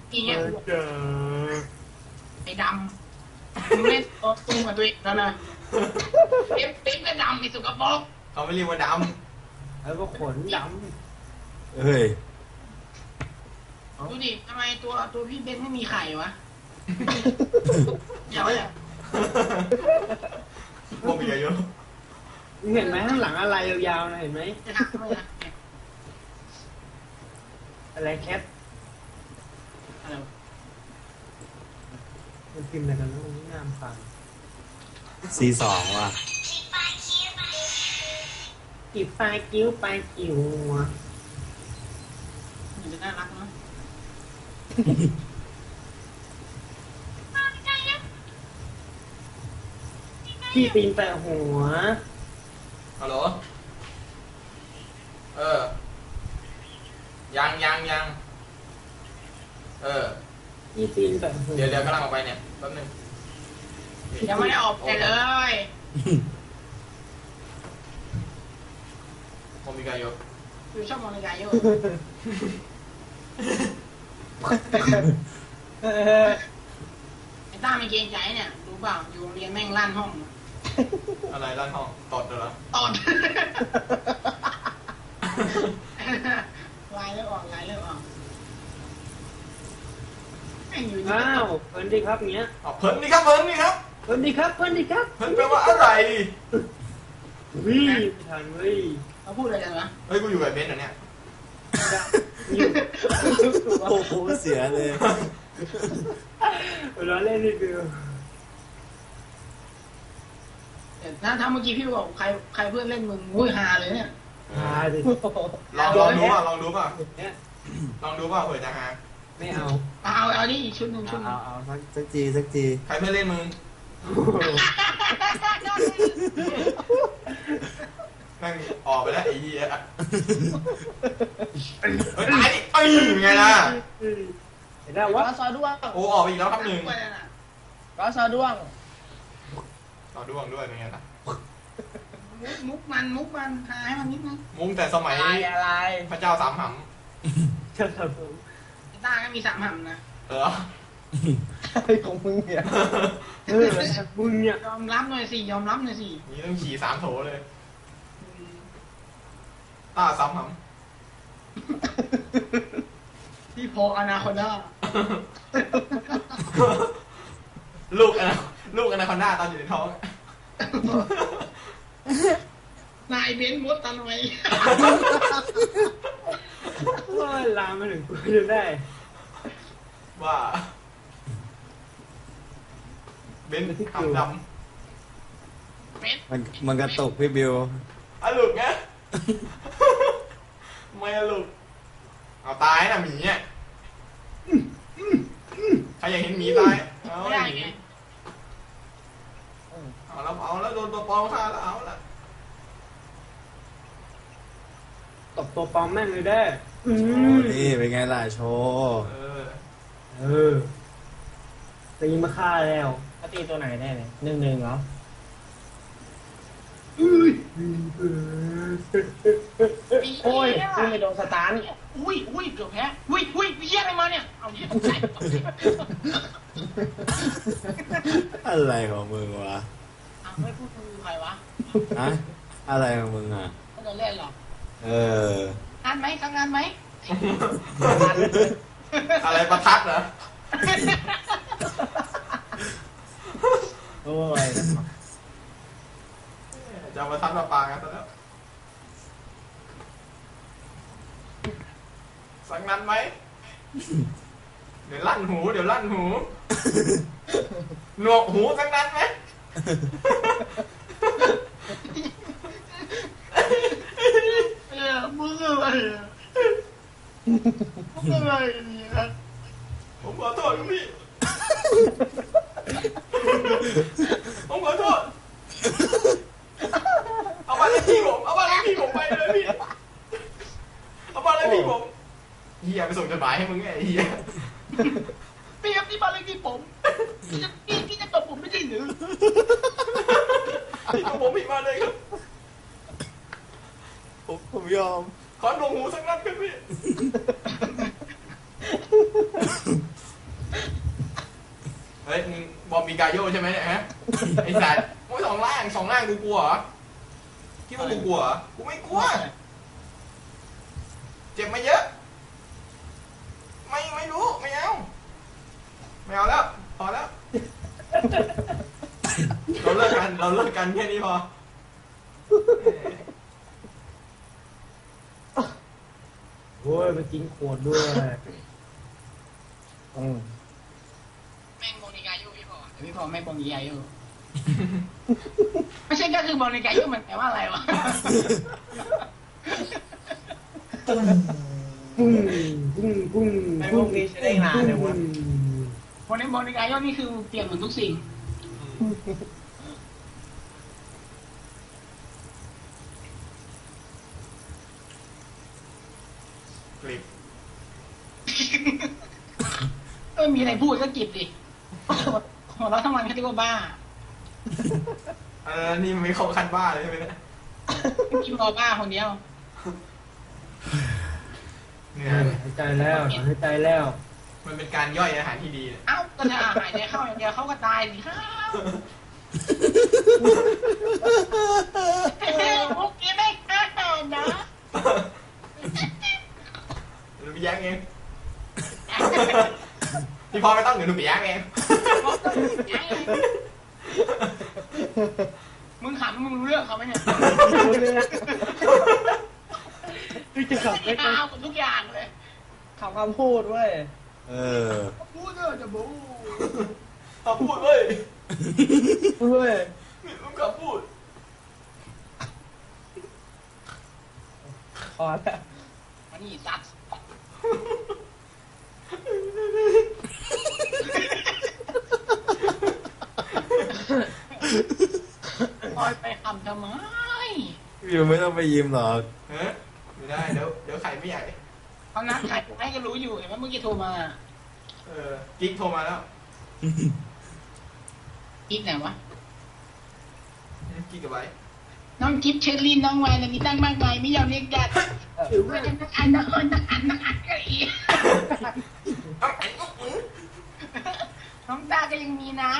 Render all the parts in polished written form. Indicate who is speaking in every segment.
Speaker 1: อีเงี้ย
Speaker 2: เจอ
Speaker 1: ไอ้ดำมึงเล่นตัวตุ้มกับตัวเองแล้วนะเต็มก็ดำไอ้สุกปรก
Speaker 3: เขาไม่เรียกว่าด
Speaker 2: แล้วก็ขนด
Speaker 4: เฮ้ย
Speaker 1: ดูดิทำไมตัวพี่เบนไม่มีไข่วะเดี๋ยวเนี่ย
Speaker 3: ำพวกมีอายุ
Speaker 2: ำมึงเห็นไหมข้างหลังอะไรยาวๆนะเห็นไหม
Speaker 1: จะทำไมนะ
Speaker 2: อะไรแคท
Speaker 1: อะไรวะ
Speaker 2: มันพิมพ์อะไรกันแล้วมันงามฟัง
Speaker 4: C2 ว่ะ
Speaker 2: กีบปลายกิ้วปลายกิ้ว
Speaker 1: มันจะน่ารักเนาะ
Speaker 2: ขี้ตีนแปะหัว
Speaker 3: ฮัลโหลยังเออ
Speaker 2: ขี้ตีนแปะหัว
Speaker 3: เดี๋ยวกำลังออกไปเนี่ยแป๊บนึง
Speaker 1: ยังไม่ได้ออกไปเลย
Speaker 3: ผมมีอายุ
Speaker 1: คือชอบมองในกายโย
Speaker 2: เออ
Speaker 1: ไอ้ต้าไม่เกรงใจเนี่ยรู้เปล่าอยู่โรงเรียนแม่งลั่นห้อง
Speaker 3: อะไรด้านห้องตดเหรอ
Speaker 1: ตอนลายเลือดออกแม่งอยู่นี่
Speaker 2: อ้าวเพิ่นดีครับเงี้ย
Speaker 3: อ๋อเพิ่นนี่ครับ
Speaker 2: เพิ่นดีครับเพิ่นดีครับ
Speaker 3: เพิ่นแปลว่าอะไร
Speaker 2: วิ่งทันเว้ย
Speaker 1: เขาพูดอะไรกันวะ
Speaker 3: เฮ้ยกูอยู่กับเบนซ์เหรอเนี่ย
Speaker 2: อยู่
Speaker 4: โอ้โหเสียเลย
Speaker 2: เราเล่นนิดเดียว
Speaker 1: แต่ถ้าเมื่อกี้พี่บอกใครเพื่อนเล่นมึงอุ้ยฮาเลยเนี่ย
Speaker 2: หาดิ
Speaker 3: ลองดูป่ะลองดูป่ะ
Speaker 2: เนี่ย
Speaker 3: ลองดูป่ะเผื่อจะหา
Speaker 2: ไม่เอา
Speaker 1: เอานี่อีกชุดหนึ่ง
Speaker 4: เอาสักจี
Speaker 3: ใครเพื่อนเล่นมึงแม่งออกไปแล้วไอ้เหี้ยเฮ้ยตายดิเอ้ยไงล่ะ
Speaker 2: เห็นได้
Speaker 5: ก
Speaker 2: วะ
Speaker 5: อซอด้วง
Speaker 3: โอ้ออกไปอีกแล้วครับหนึ่ง
Speaker 5: กอซอด้วง
Speaker 3: ต่อด้วงด้วยเป็นไงล่ะ
Speaker 1: มุกมันหาให้มันนิดนึง
Speaker 3: มุ้งแต่สมัย
Speaker 5: อะไร
Speaker 3: พระเจ้าสามห
Speaker 2: เชิญครับผม
Speaker 1: ไอ้ต้าก็มี3 หำนะ
Speaker 3: ำเหรอ
Speaker 5: อะไรของมึงเนี่ย
Speaker 2: มึงเนี่ย
Speaker 1: ยอมรับหน่อยสิยอมรับหน่อยสิ
Speaker 3: นี่ต้องขี่3 โถเลยต้าสามห
Speaker 1: พี่พออนาคอนด้า
Speaker 3: ำลูกอนาคอนด้าตอนอยู่ในท้อง
Speaker 1: นายเบนซ์มดตันไว้
Speaker 2: ว่าลามมาถึงกูจะได้
Speaker 3: ว่าเบนซ์ขำด
Speaker 1: เบนซ์
Speaker 4: มันกระตกพี่บิว
Speaker 3: ำอะลูกไงไม่อะลูกเอาตายนะหมีอ่ะใครอยากเห็นหมีตายเอา
Speaker 1: ไม่ได้
Speaker 3: หมี
Speaker 1: ไง
Speaker 3: เอาแล้วโดนตัวปลอมฆ่าแล้วเอาละ
Speaker 2: ตบตัวปลอมแม่งเลยได้อืม
Speaker 4: นี่เป็นไงล่ะโชว์
Speaker 2: เออตีมาฆ่าแล้ว
Speaker 5: เขาตีตัวไหนแน่เลย1-1เหรอ โอ้ยซึ่งไปโดนสตาร์น
Speaker 1: อุ้ยเกือบแพ้อุ้ยเยี่ยอะไรมาเนี่ยเอาเยี่ยตกใจ
Speaker 4: อะไรของมึงวะ
Speaker 1: เอาไม่พูดคือใครวะ
Speaker 4: ฮะอะไรของมึงอ่ะ
Speaker 1: เขาจะเล่นหรอ
Speaker 4: เออ
Speaker 1: งานไหมทำงานไหม
Speaker 3: อะไรประทัดเหรอ
Speaker 5: โอ้ย
Speaker 3: จะเอาประทัดมาปากันซะแล้วสักนั้นไหมเดี๋ยวลั่นหูหนวกหูสักนั้นไหม
Speaker 1: มึงอะไรอ่ะมึงอะไรเนี่ย
Speaker 3: ผมขอโทษครับพี่ ผมขอโทษ เอาบ้านเลขที่ผมไปเลยพี่ เอาบ้านเลขที่ผมเฮียไปส่งจดหมายให้มึงไงไอ้เฮีย
Speaker 1: พี่ครับนี่บ้านเลขที่ผมพี่จะตบผมไม่ใช่หรือ
Speaker 3: พี่ของผมผิดมาเลยครับ
Speaker 4: ผมยอม
Speaker 3: ขอหนวกหูสักนัดครับพี่ปิกาโยใช่ไหมเนี่ยฮะไอ้สัตว์โอ้ยสองล่างกูกลัวเหรอคิดว่ากูกลัวเหรอกูไม่กลัวเจ็บมาเยอะไม่รู้ไม่เอาแล้วพอแล้วเราเลิกกันแค่นี้พอ
Speaker 2: โอ้ยมันกินขวดด้วย
Speaker 1: แม่งโมนิกายุพี่พอแต่พี่พอไม่โมนิกายุไม่ใช่ก็คือโมนิกายุมันแปลว่าอะไรวะ
Speaker 2: ปุ้งปุ้ง
Speaker 5: ไอ้พวกนี้ใช้ได้นานเลยวะ
Speaker 1: โมนิกายุนี่คือเปลี่ยนเหมือนทุกสิ่ง
Speaker 3: กลิบ
Speaker 1: มีอะไรพูดก็กิบดิหัวเราะทั้งวันเขาเรียกว่าบ้า
Speaker 3: นี่มันไม่เข้าขั้นบ้าเลยใช่ไหมเนี่ย
Speaker 1: กินรอบ้าคนเดียว
Speaker 3: เนี่ย
Speaker 2: หายใจแล้วหายใจแล้ว
Speaker 3: มันเป็นการย่อยอาหารที่ดีเนี่ย
Speaker 1: เอ้าก็จะหายใจเข้าอย่างเดียวเขาก็ตายสิครับพวกนี้ไม่ฆ่านะ
Speaker 3: หนูไปแย่งเองพี่พอไม่ต้องเดี๋ยวหนูไปแย่งเอง
Speaker 1: มึงขำมึงรู้เรื่องเขาไหมเนี่ย
Speaker 5: คือจะขับไม่
Speaker 1: ไม่เอาหมดทุกอย่างเลย
Speaker 5: ขับคำพูดเว้ย
Speaker 4: เออ
Speaker 1: พูดเถอะจะบู
Speaker 3: เขาพูดเว้ย
Speaker 5: เว้ย
Speaker 3: มึงก็พูด
Speaker 5: พอแล้ว
Speaker 1: มานี่สัตว์คอยไปคำทำไม
Speaker 4: อยู่ไม่ต้องไปยิ้มหรอก
Speaker 3: เฮ้ยไม่ได้เดี๋ยวไข่ไม่ใหญ่
Speaker 1: เขานัดใครให้ก็รู้อยู่เห็นไหมเมื่อกี้โทรมา
Speaker 3: กิ๊กโทรมาแล้ว
Speaker 1: อีกไหนวะ
Speaker 3: กิ๊กกับไว้
Speaker 1: น้องกิฟเชอรี่น้องไวน์อะไรมีตั้งมากมายไม่ยอมเรียกญาติถือว่าจะนักอันก็อีกน้องตาก็ยังมีนะ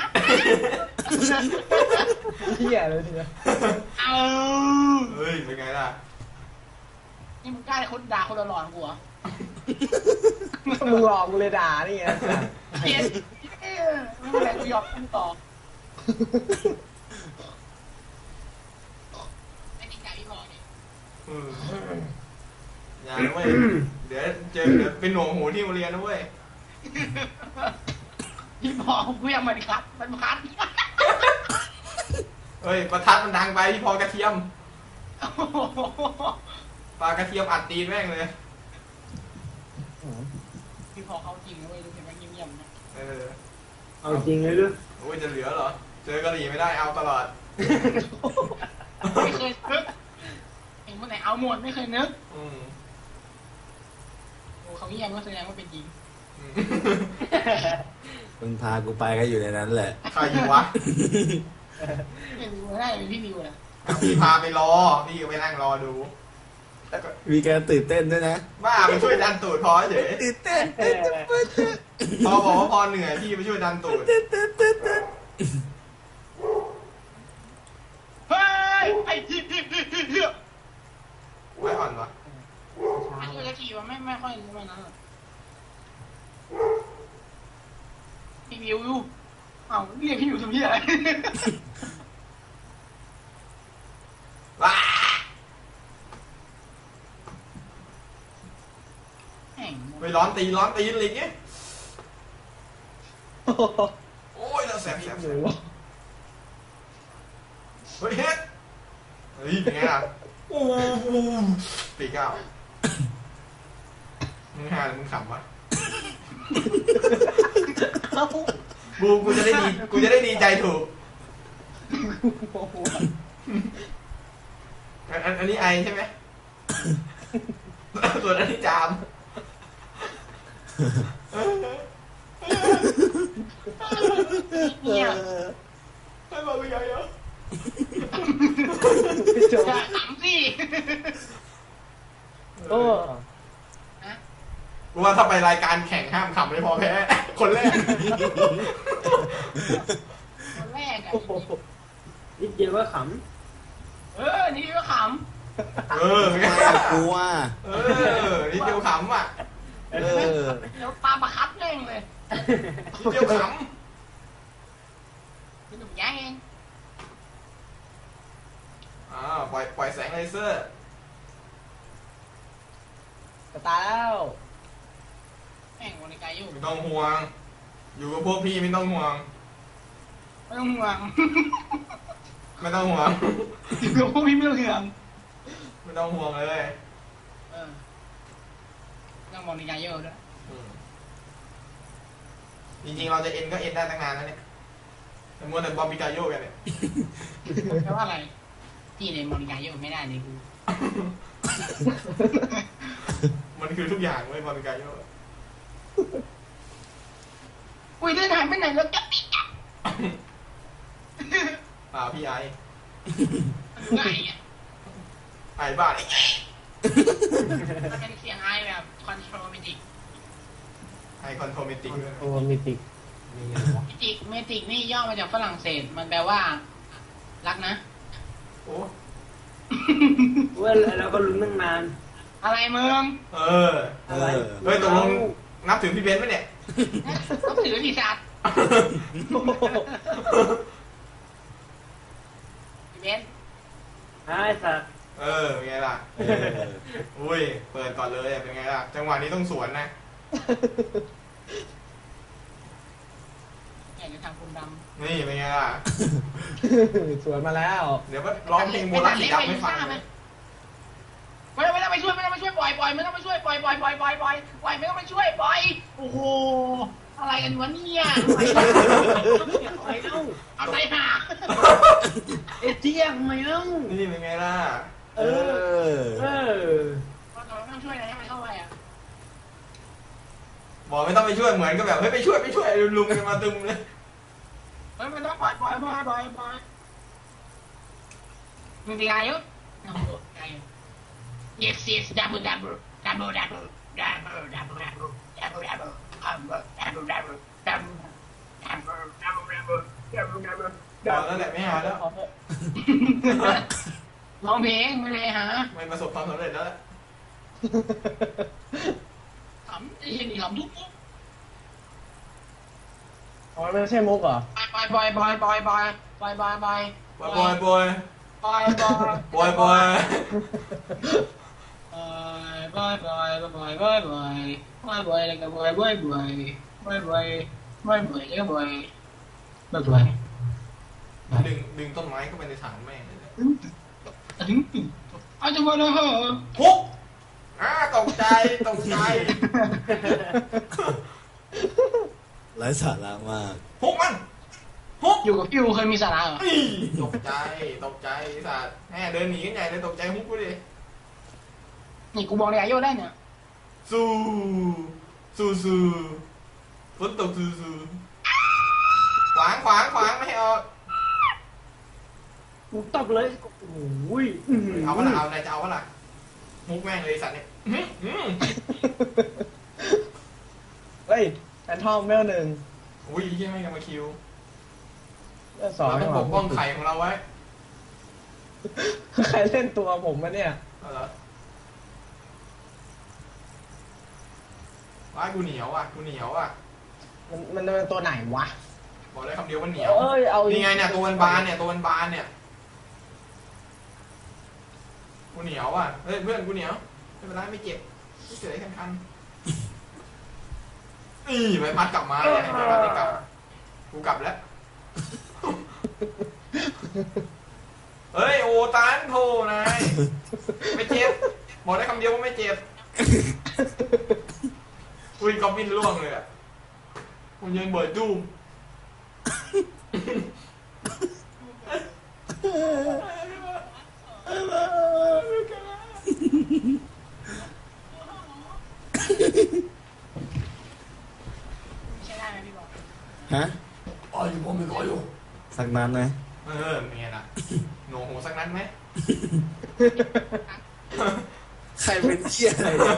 Speaker 5: เที่ยเลยทีเดียว
Speaker 1: เอา
Speaker 3: เฮ้ยเป็นไงล่ะ
Speaker 1: นี่มึงกล้าคนด่าคนหล่อๆกูเหรอ
Speaker 5: มึงหลอกกูเลยด่านี่ไง
Speaker 1: เย็นไม่เป็นไรกูยอมขึ้นต่อไม่จริงใจพี่พอเนี่ย
Speaker 3: อย่านะเว้ยเดี๋ยวเป็นหน่วงหูที่โรงเรียนนะเว้ย
Speaker 1: พี่พอกูยังมันคัดมันคัด
Speaker 3: เฮ้ยประทัดมันดังไปพี่พอกระเทียมปลากระเทียมอัดตีนแม่งเลย
Speaker 1: พี่พอเขาจริงนะเว้ยดูเห็นมันเงียบๆนะ
Speaker 2: เอาจริงเลยด้วย
Speaker 3: โอ้ยจะเหลือเหรอ เจอกะหรี่ไม่ได้เอาตลอด
Speaker 1: ไม่เคยนึกเห็นเมื่อไหร่เอาหมดไม่เคยนึกโอ้เขาเงียบก็แสดงว่าเป็นจริง
Speaker 4: มึงพากูไปก็อยู่ในนั้นแหละ
Speaker 3: ใครอยู่วะ
Speaker 1: เป็นวิวได้เป็นพี่วิวนะ
Speaker 3: พี่พาไปรอ พี่ก็ไปนั่งรอดู
Speaker 4: มีการตื่นเต้นด้วยนะ
Speaker 3: บ้าไปช่วยดันตูดพอเฉย
Speaker 4: ตื่นเต้น
Speaker 3: พอบอกว่าพอเหนื่อยพี่ไปช่วยดันตูด
Speaker 1: เฮ้ยไอ้ที่
Speaker 3: ไว้อ่อนวะ
Speaker 1: ไม่เคยจะขี่ว่าไม่ค่อยรู้มันนะพี่วิวอยู่เอ้าเรียกพี่วิวทำที่อะไร
Speaker 3: ว้า
Speaker 1: แห่ง
Speaker 3: ไปร้อนตีนอะไรอย่างเงี้ยโอ้ยเราแสบเฮ้ยเฮ็ดเฮ้ยเป็นไงล่ะโอ้ตีเก้ามึงหาหรือมึงขำวะบูกูจะได้ดีใจถูกอันนี้ไอใช่ไหมส่วนอันนี้จาม
Speaker 1: เนี่ย
Speaker 3: ให้บอกกูใหญ่เหรอ
Speaker 5: จบ
Speaker 1: อย่าขำสิ
Speaker 5: โอ้
Speaker 3: กูว่าถ้าไปรายการแข่งห้ามขำไม่พอแพ้ คนแรก
Speaker 2: โอ้โหนิดเดียวก็ข
Speaker 1: นี่ก็ข
Speaker 3: เออ
Speaker 4: ทำ
Speaker 3: ไง
Speaker 4: ไมอะกูอ่ะ
Speaker 3: เออนี่เดียวขำอ่ะ
Speaker 4: เออ
Speaker 1: ำเดี๋ยวปลาประคับแม่งเลย
Speaker 3: นี่เดียวข
Speaker 1: คือหนุ่มแย่งเอง
Speaker 3: ำปล่อยแสงเลเซอร์
Speaker 5: จะตายแล้ว
Speaker 1: แม่งโมนิกาอยู่
Speaker 3: ไม่ต้องห่วง อยู่กับพวกพี่ไม่ต้องห่วง
Speaker 1: ไม่ต้องห่วง
Speaker 3: ไม่ต้องห่วง
Speaker 1: อยู่กับพวกพี่ไม่ต้องห่วง
Speaker 3: ไม่ต้องห่วงเลย
Speaker 1: ต้องโมนิกาอยู่ด้วย
Speaker 3: จริงๆเราจะเอ็นก็เอ็นได้ตั้งนานแล้วเนี่ยแต่มัวแต่บอมบิกาโยกันเนี่ย
Speaker 1: แปลว่าอะไรที่ในโมนิกาอยู่ไม่ได้เลยกู
Speaker 3: มันคือทุกอย่างเว้ยบอมบิกาโย
Speaker 1: อุ้ยเดินหายไปไหนแล้วจ๊ะปิ๊กจ๊ะ
Speaker 3: พี่ไอ้
Speaker 1: ไงอ่ะ
Speaker 3: ไอ้บ้าน
Speaker 1: มันเป็นเสียงไอแบบคอนโทรลเมจิก
Speaker 3: ไอ้คอนโทรเมติกด้วย
Speaker 2: ำโอ้มิติกมีไงวะ
Speaker 1: เมจิกนี่ย่อมาจากฝรั่งเศสมันแปลว่า รักนะ
Speaker 3: โอ้
Speaker 2: เว้ยเราก็ลุ้นตั้งนาน
Speaker 1: อะไรมึง
Speaker 3: เออ
Speaker 2: อะไร
Speaker 3: เฮ้ยตกลงนับถือพี่เบนซ์ไหมเนี่ย
Speaker 1: ต้องถือดีสัตว์พี่เบน
Speaker 2: ไอ้สัตว์
Speaker 3: เป็นไงล่ะ อุ้ย เปิดก่อนเลยเป็นไงล่ะ จังหวะนี้ต้องสวนนะ
Speaker 1: อยากจะทำคุณดำ
Speaker 3: นี่เป็นไงล่ะ
Speaker 5: สวนมาแล้ว
Speaker 3: เดี๋ยวก็ร้องเพลงโบราณสีดำไม่ฟังเลย
Speaker 1: ไม่ต้องไปช่วยไม่ต้องไปช่วยปล่อยไม่ต้องไปช่วยปล่อยไม่ต้องไปช่วยปล่อยโอ้โหอะไรกันวะเนี่ยอะไรหา
Speaker 2: เอเจียงไม่เอา
Speaker 3: นี่เป็นไงล่ะ
Speaker 2: เออ
Speaker 1: ไม่ต้องช่วยนะให้มันเข้าไปอ่ะ
Speaker 3: บอกไม่ต้องไปช่วยเหมือนก็แบบเฮ้ยไปช่วยลุงกันมาตึมเลย
Speaker 1: เฮ้ยมันต้องปล่อยมึงตีไงยุทธyes double
Speaker 3: บอกแล้วแหละไม่หาแล้ว
Speaker 1: ร้องเพลงไม่เลยฮะ
Speaker 3: ไม่ประสบความสำเร็จแล้ว
Speaker 1: ขำไอ้เหี้ยนี่ขำทุกปุ๊บ
Speaker 5: อ๋อไม่ใช่มุกเหรอ
Speaker 1: ปล่อย
Speaker 3: บอย
Speaker 1: แล้วก็บอย
Speaker 3: ดึงต้นไม้เข้าไปในถังแม่งเลย
Speaker 1: ถึงอาจจะมาแล้วเหรอ
Speaker 3: ทุกตกใจ
Speaker 4: ไร้สาระมาก
Speaker 3: ฮุกมันฮุก
Speaker 1: อยู่กับพี่เคยมีสาระเหรอ
Speaker 3: ตกใจสัตว์แม่เดินหนีกันใหญ่เลยตกใจฮุกกูดิ
Speaker 1: นี่กูบอกเลยอายุได้เนี่ย
Speaker 3: สู้ฝนตกสู้ขวางไม่ให้ออก
Speaker 2: กูตบเลยโอ้ย
Speaker 3: เอาวะล่ะเอาอะไรจะเอาวะล่ะมุกแม่งเลยสัตว์เนี่ย
Speaker 5: เฮ้ยแฟนทอมเวลหนึ่ง
Speaker 3: อุ้ยยี่ไม่กันมาคิว
Speaker 5: เวลสอง
Speaker 3: เราต้องปกป้องไข่ของเราไว้
Speaker 5: ใครเล่นตัวผมมาเนี่ย
Speaker 3: เอาเหรอว้ายกูเหนียวอ่ะ
Speaker 5: มันเป็นตัวไหนวะ
Speaker 3: บอกได้คำเดียวว่าเหนียว
Speaker 5: เอ้ยเอา
Speaker 3: นี่ไงเนี่ยตัวมันบานเนี่ยกูเหนียวอ่ะเฮ้ยเพื่อนกูเหนียวไม่เป็นไรไม่เจ็บไม่เจ็บอะไรคันใบพัดกลับมาเลยใบพัดไม่กลับกูกลับแล้วเฮ้ยโอตันโทนายไม่เจ็บบอกได้คำเดียวว่าไม่เจ็บอุ้ยกอบบินล่วงเลยอ่ะมันยืนเบิดจูม
Speaker 1: ใช่ได้ไหมพี่บอก
Speaker 4: ฮะ
Speaker 3: ผมไม่ขออยู่
Speaker 4: สักนั้นไหม
Speaker 3: เป็นไงล่ะโหนหูสักนั้นไหม
Speaker 4: ใครเป็นเที่ยอะไรเนี่ย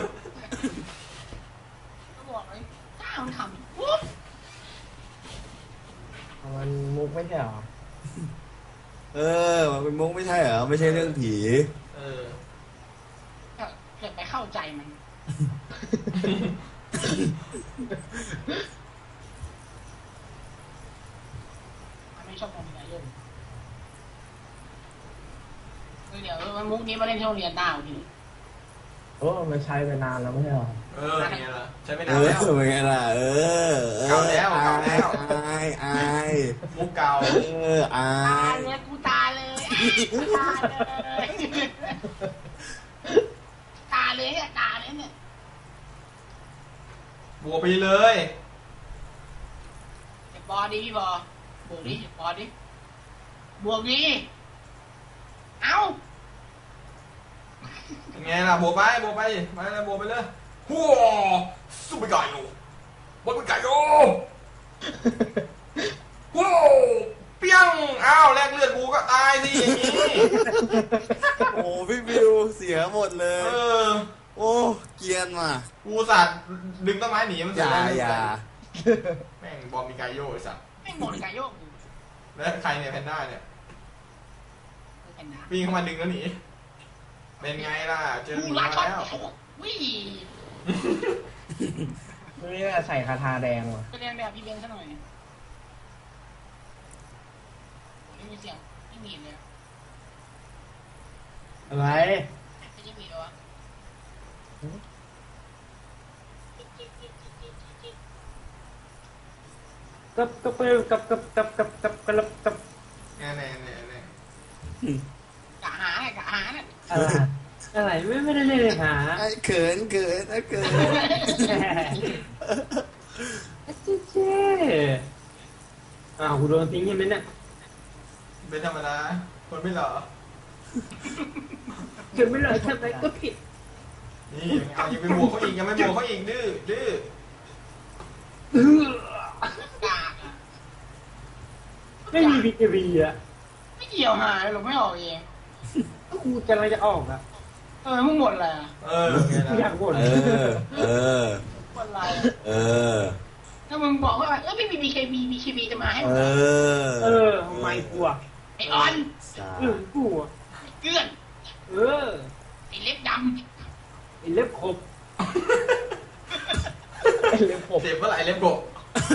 Speaker 1: ก็บอกเลยถ้ามันขำปุ๊บ
Speaker 5: มันมุกไม่ใช่เหรอ
Speaker 4: เออ มันเป็นมุกไม่ใช่เหรอ ไม่ใช่เรื่องผี
Speaker 3: เออ
Speaker 1: เกิดไปเข้าใจมันมันไม่ชอบมองมีอะไรเยอะเดี๋ยวมันมุกนี้มาเล่นที่โรงเรียนดาวที
Speaker 5: โอ้มันใช้ไปนานแล้วไม่ใช่หรอ
Speaker 3: เออไงล่ะใช้ไม่
Speaker 4: เอน
Speaker 3: านแล้ว
Speaker 4: อเป็นไงล่ะ เออ
Speaker 3: เก่าแล้วเก่าแล้ว
Speaker 4: อายอาย
Speaker 3: มุกเก่า
Speaker 4: เออ อา
Speaker 1: ตาย เลยกูตายเลยกูตายเลยตายเลยเนี่ยตายเลยเนี่ย
Speaker 3: บวกไปเลย
Speaker 1: เดี๋ยวบอดีพี่บอบวกดิบอดิบวกดิเอ้า
Speaker 3: ไงล่ะบวกไปบวกไปมาเลยบวกไปเลยหัวสู้ไปไก่โยบวกไปไก่โยว้าวเปี้ยงอ้าวแลกเลือดกูก็ตายสิอย่างนี้
Speaker 4: โอ้พี่บิวเสียหมดเล
Speaker 3: เอย อ
Speaker 4: โอ้เกรียนว่ะ
Speaker 3: กูสัตว์ดึงต้นไม้หนีมัน
Speaker 4: อ
Speaker 3: เสีย
Speaker 4: ย่า
Speaker 3: แรง
Speaker 4: อย่า
Speaker 3: แม่งบอมมีไกโยไอ้สัตว์
Speaker 1: ไม่หมดไก่โยกกู
Speaker 3: แล้วใครเนี่ยแพนด้าเนี่ย
Speaker 1: เป็นนะ
Speaker 3: วิ่งเข้ามาดึงแล้วหนีเป็นไงล่ะเจอห
Speaker 1: กู
Speaker 3: มี
Speaker 1: รั
Speaker 3: มาก
Speaker 1: ช็อต
Speaker 3: แล้ว
Speaker 1: วิ่ง
Speaker 5: นี่น่าใส่คาถาแดงว่ะ
Speaker 1: ไปเรียนแบบพี่เบนซะหน่อยไม่มีเสียงไม่มีเลย
Speaker 5: อะไร
Speaker 1: ไม่ใช่มีเลยวะ
Speaker 5: กับ
Speaker 3: แน่แน่แน่แน่
Speaker 1: กะหาเนี่ยกะหาเนี่ย
Speaker 5: อะไรไม่ได้เล่นหา
Speaker 4: ไอ้เขินเขินไอ้เขิน
Speaker 5: เจ๊อ้าวกูโดนทิ้งใช่ไหมเนี่ย
Speaker 3: เป็นธรรมดาคนไม่หล่อ
Speaker 5: เกิดไม่เลยทำไมก็ผิด
Speaker 3: นี่เอายังไปบวกเขาอีกยังไม่บวกเขาอีกดื้อดื้อก
Speaker 1: ากอะ
Speaker 5: ไม่มีบีเจบีอ่ะ
Speaker 1: ไม่เกี่ยวหายหรอกไม่ออกเอง
Speaker 5: กูกำลังจะออกอ่ะ
Speaker 1: มึงหมดอะไรอ่ะ
Speaker 3: เออไง
Speaker 5: กูอยา
Speaker 3: ล่ะ
Speaker 5: กบ่น
Speaker 4: เออ เออ
Speaker 1: หมดอะไร
Speaker 4: เออ
Speaker 1: ถ้ามึงบอกว่าพี่มี BKB จะมาให้
Speaker 4: เออ
Speaker 5: ทำไมกูอ่ะ
Speaker 1: ไอออน
Speaker 4: สา
Speaker 5: กูอ่ะ
Speaker 1: ไอ้เกื้อน ไอเล็บด
Speaker 5: ไอ้เล็บขบไอ้เล็บขบ
Speaker 3: เจ็บเมื่อไหร่เล็บกบ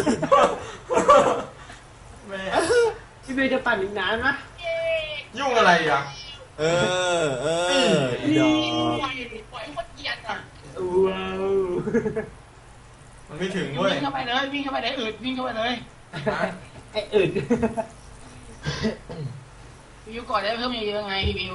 Speaker 3: แม่
Speaker 5: พี่เบย์จะปั่นอีกนานนะ
Speaker 1: ำเย้
Speaker 3: ยุ่งอะไรอ่ะ
Speaker 4: เออ เออดอก
Speaker 1: ปล่อยให้คนเกลียดอ่ะ
Speaker 5: ว้าว
Speaker 3: มันไม่ถึงเว้ย
Speaker 1: วิ่งเข้าไปเลยวิ่งเข้าไปเลยวิ่งเข้าไปเลย
Speaker 5: ไอ้อึด
Speaker 1: พี่วิวก่อนได้เพิ่มเยอะๆไงพี่วิว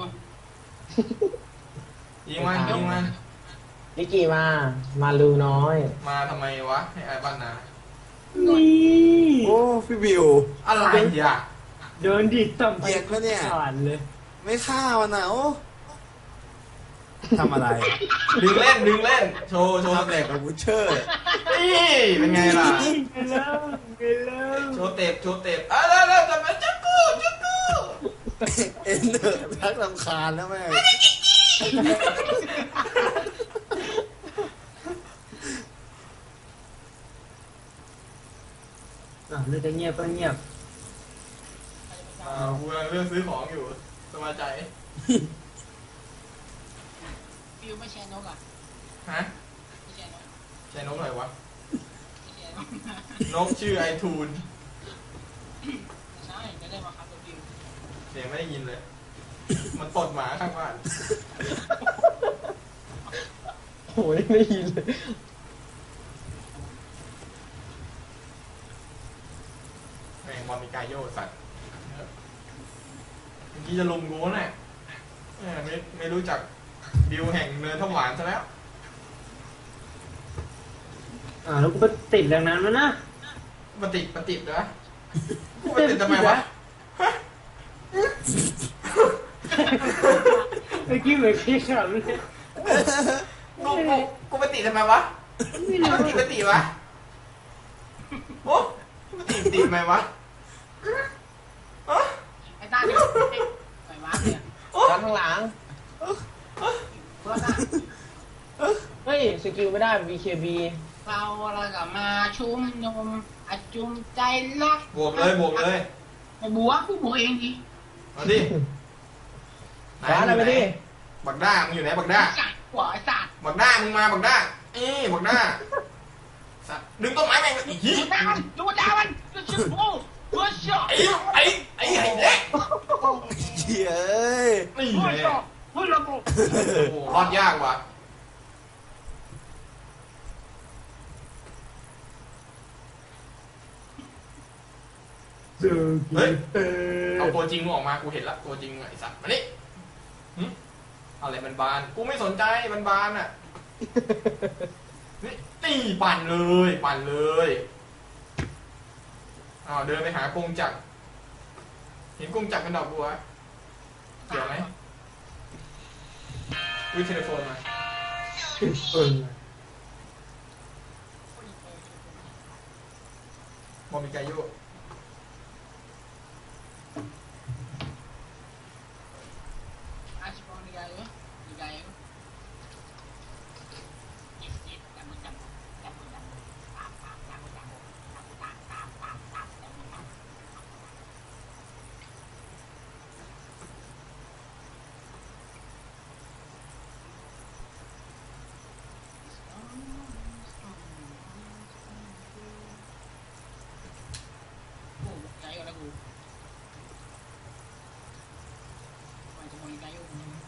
Speaker 3: ยิงมันยิงมัน
Speaker 5: นิกกี้มาลูน้อย
Speaker 3: มาทำไมวะให้ไอ้บ้านนา
Speaker 5: นี่
Speaker 4: โอ้พี่บิว
Speaker 3: อะไรอ่ะ
Speaker 5: เดินดิต่ำไป
Speaker 4: เหยียดปะเนี่ย
Speaker 5: ผ่านเลย
Speaker 4: ไม่ฆ่ามันนะโอ้ทำอะไร
Speaker 3: ดึงเล่นดึงเล่นโชว์โชว์ส
Speaker 4: ทำแหล
Speaker 3: เต็
Speaker 4: ก
Speaker 3: ป
Speaker 4: กับบูเชอร์
Speaker 3: นี่เป็นไงล่ะ
Speaker 5: ไปแล้วไปแล้ว
Speaker 3: โชว์เต็ปโชว์เต็ปแล้วจะมาจักกูจักกู
Speaker 4: เอ็นเดอร์พักลำคาญแล้วแม่ง
Speaker 5: เลือกจะเงียบก็เงียบ
Speaker 3: กูกำลังเลือกซื้อของอยู่สบายใจ
Speaker 1: พี่วิวไม่แชร์นกอ่ะ
Speaker 3: ฮะ
Speaker 1: ไม่แชร์นก
Speaker 3: ใช้นกหน่อยวะ
Speaker 1: ไม่แชร์นก
Speaker 3: นกชื่อไอทูน
Speaker 1: ใช่จะได้มาครับตัววิว
Speaker 3: เสียงไม่ได้ยินเลย มันตดหมาข้างบ้าน
Speaker 5: โอ้ยไม่ยินเลย
Speaker 3: แม่งบอลมีกายโยสัตว์เมื่อกี้จะลุมกูน่ะไม่รู้จักดิวแห่งเนินทหวานซะแล้ว
Speaker 5: แล้วกูไปติดแรงนั้นแล้วนะ
Speaker 3: มันติดนะกูไปติดทำไมวะ
Speaker 5: เมื่อกี้เหมือนพี่ขับเลย
Speaker 3: กูไปติดทำไมวะ
Speaker 5: ไม่รู้
Speaker 3: ไปติดวะโอ้กูไปติดทำไมวะ
Speaker 1: ไอ้ตาเนี่ยปล่อยวางเนี่ย
Speaker 5: ด้านข้างหลัง
Speaker 1: เพื่อนอ่ะ
Speaker 5: เฮ้ยสกิลไม่ได้ BKB
Speaker 1: เราก็มาชุมนุมอาจุมใจรัก
Speaker 3: บวกเลยบวกเลย
Speaker 1: ไอ้บัวกูบัวเองดิ
Speaker 3: มาดิไหน
Speaker 2: ร้านอะไรไปดิ
Speaker 3: บักด้ามึงอยู่ไหนบักด้า
Speaker 1: สัตว์หัวไอ้สัตว์
Speaker 3: บักด้ามึงมาบักด้าบักด้าสัตว์ดึงต้นไม้แม่งอีกที
Speaker 1: ดูดามันดูดามันดูชิบโอ้ดูช็อต
Speaker 3: ไอ้เด็ก
Speaker 4: เหี้ยเอ้ย
Speaker 3: นี่
Speaker 1: ดู
Speaker 3: เลย
Speaker 1: ช็อตดูระบบ
Speaker 3: โอ้รอดยากว่ะ
Speaker 2: เจอกีเตอ
Speaker 3: เอา
Speaker 2: ร์
Speaker 3: ตัวจริงมึงออกมากูเห็นละตัวจริงไอ้สัตว์มานี่อะไรมันบานกูไม่สนใจมันบานอ่ะนี่ปั่นเลยเดินไปหากงจักรเห็นกงจักรเป็นดอกบัวเกี่ยวไหมวิเทเลโฟนมา
Speaker 2: เออ
Speaker 3: บอมีไกโย
Speaker 1: อาชิบอนี่ไงวะนี่ไงวะยิบยิบจับมือจับจับมือจับตามตามจับมือจับจับตามตามตามตามจับมือจับ โอ้ใจก็แล้วกูมันจะมองใจอยู่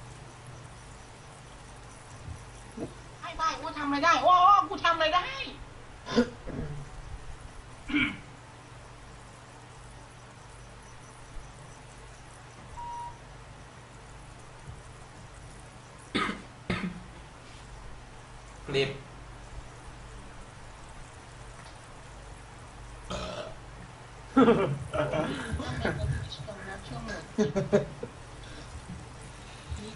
Speaker 1: ให้ได้กูทำอะไรได้โอ้กูทำอะไรได้
Speaker 3: กลิบ
Speaker 1: ช่วงหมด